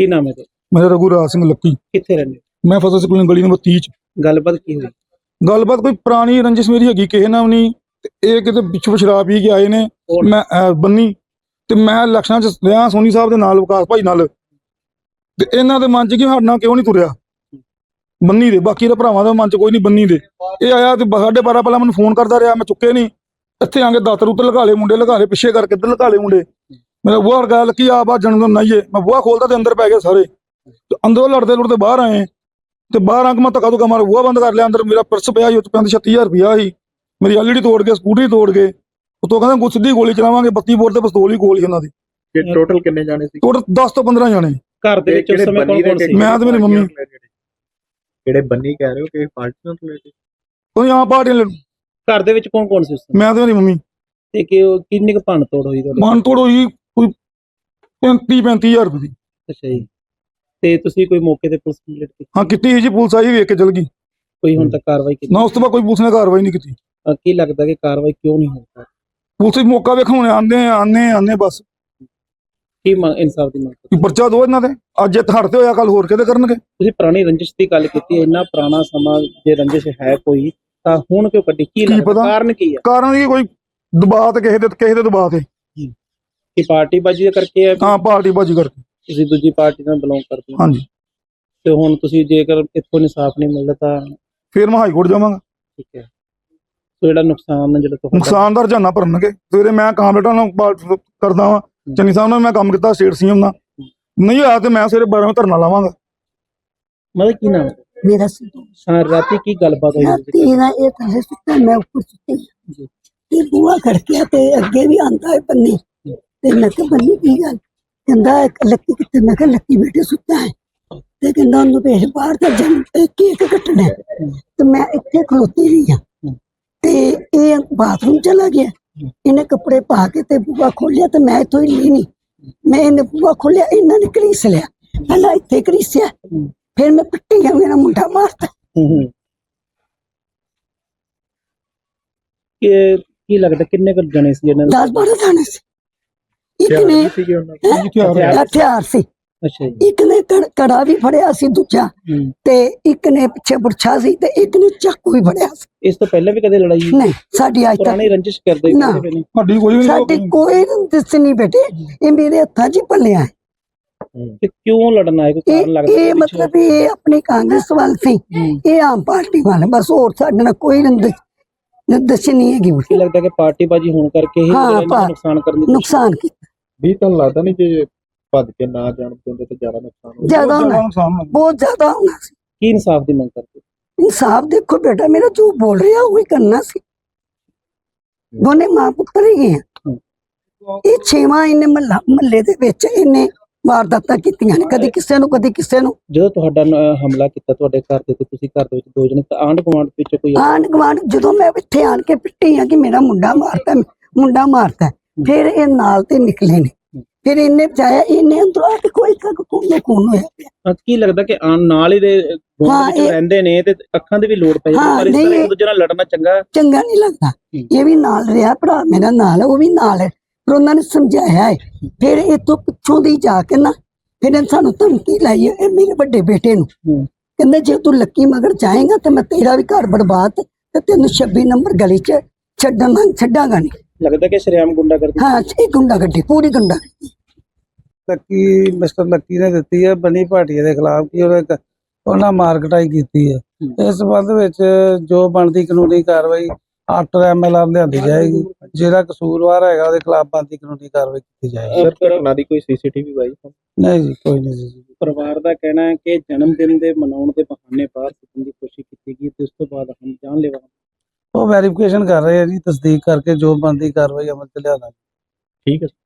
ਕੀ ਨਾਮ ਹੈ ਤੁਹਾਡਾ? मेरा रघुराज सिंह लक्की। ਕਿੱਥੇ ਰਹਿੰਦੇ ਹੋ? मैं फतेह सिंह गली नंबर 30 च। ਗੱਲਬਾਤ ਕੀ ਹੋਈ? गलबात कोई पुरानी रंजिश मेरी हैगी किसी नाल नहीं। ये किते पिछों शराब पी के आए ने। कौन? मैं बन्नी ते मैं इलेक्शनां च रहा सोनी साहब दे नाल विकास भाई नाल ते इन्हां दे मन च कि साडे नाल क्यों नहीं तुरिया बन्नी दे, बाकी दे भरावां दा मन च कोई नहीं बन्नी दे। ये आया ते 12:30 पहला मैनूं फोन करदा रहा, मैं चुके नहीं। इत्थे आके दातर उत्ते लगा ले मुंडे, लगा ले पिछे करके इधर लगा ले मुंडे। मेरा बुआ अड़का लकी आ बा जन्म नहीं है। मैं बुआ खोलता ते अंदर पै गए सारे ते अंदरों लड़ते लुड़ते बाहर आए ते बाहर आके मैं धक्का धुक्का मार बुआ बंद कर लिया। अंदर मेरा पर्स पिया ही 36,000 रुपया ही, मेरी एलईडी तोड़ के स्कूटरी तोड़ के उतो कहंदे सीधी गोली चलावांगे। 32 बोर ते पिस्तौल ही गोल ही उन्हां दी। ਟੋਟਲ ਕਿੰਨੇ ਜਾਣੇ ਸੀ? टोटल 10 तो 15 जाने। ਘਰ ਦੇ ਵਿੱਚ ਉਸ ਸਮੇਂ ਕੌਣ ਕੌਣ ਸੀ? मैं ते मेरी मम्मी। ਜਿਹੜੇ ਬੰਨੀ ਕਹਿ ਰਹੇ ਹੋ ਕਿ ਪਾਰਟੀ ਨਾਲ ਰਿਲੇਟਡ? कोई यहाँ पार्टी ਘਰ ਦੇ ਵਿੱਚ ਕੌਣ ਕੌਣ ਸੀ ਉਸ ਸਮੇਂ? मैं ते मेरी मम्मी। ਤੇ ਕਿ ਕਿੰਨੀ ਕੁ ਭੰਨ ਤੋੜ ਹੋਈ ਤੁਹਾਡੇ? मन तोड़ हुई कोई 35,000 रुपये दी। ਅੱਛਾ ਜੀ। ਤੇ ਤੁਸੀਂ ਕੋਈ ਮੌਕੇ ਤੇ ਪੁਲਿਸ ਕੰਪਲੀਟ ਕੀਤੀ? हाँ कितनी जी पुलिस आई वेख के चल गई ਕੋਈ ਹੁਣ ਤੱਕ ਕਾਰਵਾਈ ਕੀਤੀ? ना। उस तो बाद कोई पुलिस ने कार्रवाई नहीं की। ਕੀ ਲੱਗਦਾ ਕਿ ਕਾਰਵਾਈ ਕਿਉਂ ਨਹੀਂ ਹੋ ਰਹੀ? पुलिस मौका वेखो आने बस ਕੀ ਇਨਸਾਫ ਦੀ ਮੰਗ कि पर्चा दो इन्हां दे। अज इत्थे हड़ते होया कल होर किते करनगे। ਤੁਸੀਂ ਪੁਰਾਣੀ ਰੰਜਿਸ਼ ਦੀ ਗੱਲ ਕੀਤੀ ਹੈ, ਇੰਨਾ ਪੁਰਾਣਾ ਸਮਾਂ ਜੇ ਰੰਜਿਸ਼ ਹੈ ਕੋਈ ਤਾਂ ਹੁਣ ਕਿਉਂ ਕੱਢੀ? ਕੀ ਲੱਗਦਾ ਪਤਾ? ਕਾਰਨ ਕੀ ਹੈ? कारण की कोई दबाव ते किसी दे दबाव ते। ਕਿ ਪਾਰਟੀਬਾਜ਼ੀ ਦਾ ਕਰਕੇ ਹੈ? हाँ पार्टी बाजी करके। ਤੁਸੀਂ ਦੂਜੀ ਪਾਰਟੀ ਨਾਲ ਬਿਲੋਂਗ ਕਰਦੇ ਹੋ हाँ जी। ਤੇ ਹੁਣ ਤੁਸੀਂ ਜੇਕਰ ਇੱਥੋਂ ਇਨਸਾਫ ਨਹੀਂ ਮਿਲਦਾ ਤਾਂ फिर मैं हाई कोर्ट जावांगा। ਠੀਕ ਹੈ। ਸੋ ਜਿਹੜਾ ਨੁਕਸਾਨ ਹੈ ਜਿਹੜਾ ਤੁਹਾਡਾ नुकसान दा रजाना भरनगे। सवेरे मैं कामरेटां नाल बात करदा वां, चन्नी साहब नाल मैं काम किया स्टेट सीएम नाल, नहीं होया ते मैं सवेरे 12 धरना लावांगा। ਮਤਲਬ ਕੀ ਨਾਮ ਹੈ? मेरा संतोष। ਹਾਂ, ਰਾਤੀ ਕੀ ਗੱਲਬਾਤ ਹੋਈ ਸੀ? तेरा ये थल्ले सुता मैं ऊपर सुती जी। ते बुआ खड़किया ते अगे भी आंदा है बन्नी ते मैं कहा बन्नी की गल कहंदा लक्की किते? मैं कहा लक्की बेटे सुता है ते कहंदा ओनू भेज बाहर ते जन केक कटना है ते मैं इत्थे खलोती रही हां ते ये बाथरूम चला गया। इन्हें कपड़े पा के ते बुआ खोलिया ते मैं इत्थों हिली नहीं। मैं इन्हें बुआ खोलिया, इन्हां ने घड़ीस लिया, पहला इत्थे घड़ीसिया फिर मैं पिट्टी गया, मेरा मुंडा मारता। ਕਿ ਕੀ ਲੱਗਦਾ ਕਿੰਨੇ ਕੁ ਜਣੇ ਸੀ ਜਿਹਨਾਂ ਨੇ? 10-12 जाने से एक ने ਸੀਗੇ ਉਹਨਾਂ ਕੋਲ? हथियार? हथियार से ਅੱਛਾ ਜੀ। एक ने कड़ा भी फड़िया सी दूजा ते एक ने पिछे बुरछा सी ते एक ने चाकू भी फड़िया सी। ਇਸ ਤੋਂ ਪਹਿਲਾਂ ਵੀ ਕਦੇ ਲੜਾਈ ਹੋਈ? नहीं साडी आज ਪੁਰਾਣੀ तक ਰੰਜਿਸ਼ ਕਰਦੇ ना। ਕਰਦੇ ਨੇ? साडी कोई भी साडी नहीं। कोई दिस नहीं बेटे, ये मेरे हथा च पलिया है। ਤੇ ਕਿਉਂ लड़ना है? कोई कारण लगता ये है पीछे? मतलब ये अपनी कांग्रेस वाल सी, ये आम पार्टी वाले बस, और साडे नाल कोई निर्देश नहीं है ਕੀ कि ਲੱਗਦਾ ਕਿ ਪਾਰਟੀਬਾਜ਼ੀ ਹੋਣ ਕਰਕੇ ਹੀ ਹਾਂ, ਜਿਹੜਾ ਇਹਨਾਂ ਨੂੰ ਨੁਕਸਾਨ ਕਰਨ ਦੀ ਕੋਸ਼ਿਸ਼? नुकसान की ਵੀ ਤੁਹਾਨੂੰ ਲੱਗਦਾ ਨਹੀਂ ਜੇ ਭੱਜ ਕੇ ਨਾ ਜਾਣ ਦਿੰਦੇ ਤਾਂ ਜ਼ਿਆਦਾ ਨੁਕਸਾਨ ਹੋ ज्यादा बहुत होना, ज्यादा नुकसान होना। बहुत ज्यादा होना सी। ਕੀ ਇਨਸਾਫ ਦੀ ਮੰਗ ਕਰਦੇ? इंसाफ देखो बेटा, मेरा जो बोल रहा है वही करना सी। दोने मां पुत्र ही हैं। ये 6वां इन्हें महल्ले दे विच इन्हें वारदातां कीतियां ने, कदी किसे नूं कदी किसे नूं। ਜਦੋਂ ਤੁਹਾਡਾ ਹਮਲਾ ਕੀਤਾ ਤੁਹਾਡੇ ਘਰ ਤੇ ਤੁਸੀਂ ਘਰ ਦੇ ਵਿੱਚ ਦੋ ਜਣੇ ਤਾਂ ਆਂਢ ਗੁਆਂਢ ਵਿੱਚ ਕੋਈ आंढ गुआंढ जो मैं इत्थे आन के पिट्टी हाँ कि मेरा मुंडा मारता है, फिर ये नाल ते निकले ने, फिर इन्हें बचाया, इन्हें अंदरों आके कोई खून होया पिया। ਹਾਂ, ਕੀ ਲੱਗਦਾ ਕਿ ਨਾਲ ਹੀ ਦੇ ਗੁਆਂਢ ਹਾਂ, ਵਿੱਚ ਇਹ- ਰਹਿੰਦੇ ਨੇ ਤੇ ਅੱਖਾਂ ਦੇ ਵੀ ਲੋੜ ਪੈ ਜਾਂਦੀ, ਹਾਂ, ਪਰ ਇਸ ਨਹੀਂ, ਤਰ੍ਹਾਂ ਇੱਕ ਦੂਜੇ ਨਾਲ ਲੜਨਾ ਚੰਗਾ? चंगा नहीं लगता। ये भी नाल रहा भरा मेरा नाल है, वो भी नाल है, पर उन्होंने समझाया है। फिर इतों पिछों दी जाके ना फिर सानू धमकी लाई है मेरे बड़े बेटे नू, कहंदे जे तू लक्की मगर जाएगा तो मैं तेरा भी घर बर्बाद ते तेन 26 नंबर गली च छड्डांगा नहीं। ਲੱਗਦਾ ਕਿ ਸ਼ਰੇਆਮ ਗੁੰਡਾ ਕਰਦੇ? हाँ ये गुंडागर्दी, पूरी गुंडागर्दी। ਲੱਕੀ ਮਿਸਟਰ ਲੱਕੀ ਨੇ ਦਿੱਤੀ ਹੈ ਬਨੀ ਭਾਟੀਆ ਦੇ ਖਿਲਾਫ ਕਿ ਉਹਨਾਂ ਮਾਰਕਟਾਈ ਕੀਤੀ ਹੈ। ਇਸ ਸੰਬੰਧ ਵਿੱਚ ਜੋ ਬਣਦੀ ਕਾਨੂੰਨੀ ਕਾਰਵਾਈ ਆਫਟਰ ਐਮਐਲਆਰ ਲਿਆਂਦੀ ਜਾਏਗੀ। ਜਿਹੜਾ ਕਸੂਰਵਾਰ ਹੈਗਾ ਉਹਦੇ ਖਿਲਾਫ ਬਣਦੀ ਕਾਨੂੰਨੀ ਕਾਰਵਾਈ ਕੀਤੀ ਜਾਏਗੀ। ਸਰ ਘਟਨਾ ਦੀ ਕੋਈ ਸੀਸੀਟੀਵੀ ਵਾਈ? ਨਹੀਂ ਜੀ, ਕੋਈ ਨਹੀਂ ਜੀ। ਪਰਿਵਾਰ ਦਾ ਕਹਿਣਾ ਹੈ ਕਿ ਜਨਮ ਦਿਨ ਦੇ ਮਨਾਉਣ ਦੇ ਬਹਾਨੇ ਬਾਹਰ ਸੁੱਟਣ ਦੀ ਕੋਸ਼ਿਸ਼ ਕੀਤੀ ਗਈ ਤੇ ਉਸ ਤੋਂ ਬਾਅਦ ਹਮ ਜਾਨਲੇਵਾ। ਉਹ ਵੈਰੀਫਿਕੇਸ਼ਨ ਕਰ ਰਹੇ ਆ ਜੀ, ਤਸਦੀਕ ਕਰਕੇ ਜੋ ਬਣਦੀ ਕਾਰਵਾਈ ਅਮਲ ਚ ਲਿਆਣਾ। ਠੀਕ ਹੈ।